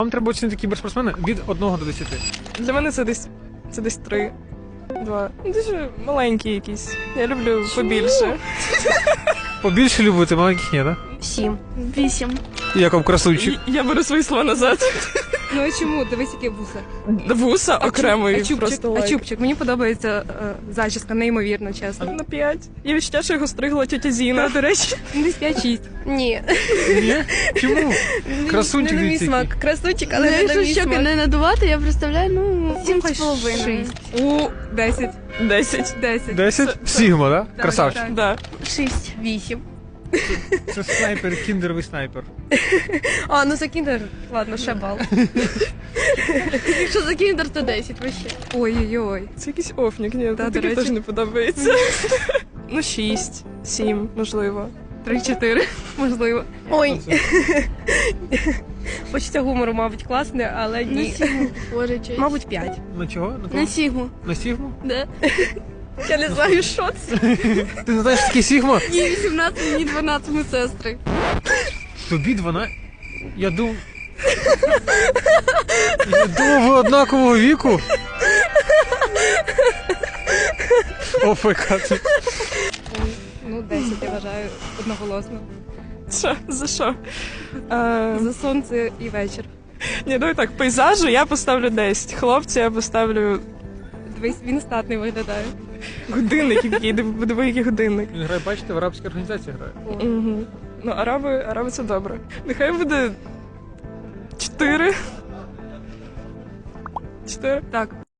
Вам треба оцінити кіберспортсмена від 1 до 10. Для мене це десь 3. 2. Дуже маленький якийсь. Я люблю побільше. Побільше любите, маленьких ні, так? 7. 8. Як вам красунчик? Я беру свої слова назад. Ну і чому? Дивись, яке вуса. Вуса окремий просто лайк. А чубчик. Мені подобається зачіска, неймовірно, чесно. На 5. Я відчуття, що його стригла тетя Зіна, до речі. Десь 5-6. Ні. Ні? Чому? Красунчик Не на мій дивіться. смак. Красунчик, але не на Якщо мій щоки смак. не надувати, я представляю, ну, 7,5. 6. У, 10. 10. 10. 10? Сігма, так? Так, Красавчик. так. Да. 6. 8. Це снайпер, кіндеровий снайпер. А, ну за кіндер. Ладно, ще бал. Якщо за кіндер, то 10 вообще. Ой-ой-ой. Це якийсь офнік, ні, до таке речі. теж не подобається. Ну, 6, 7, можливо. 3-4, можливо. Ой. Це- Почуття гумору, мабуть, класне, але На ні. сігму. Боже, честь. Мабуть, 5. На чого? На На кого? сігму. На Сігму? Да. Я не знаю, що це. Ти не знаєш, що таке Сігма? Їй 18, мені 12, ми сестри. Тобі 12? Я думав... Я думав, ви однакового віку. ОФК. Ну, 10, я вважаю, одноголосно. Що? За що? За сонце і вечір. Ні, давай так, пейзажу я поставлю 10. Хлопці я поставлю Дивись, він статний виглядає. годинник, який, диви, який годинник. Він грає, бачите, в арабській організації грає. Угу. Ну, араби це добре. Нехай буде 4. 4? Так.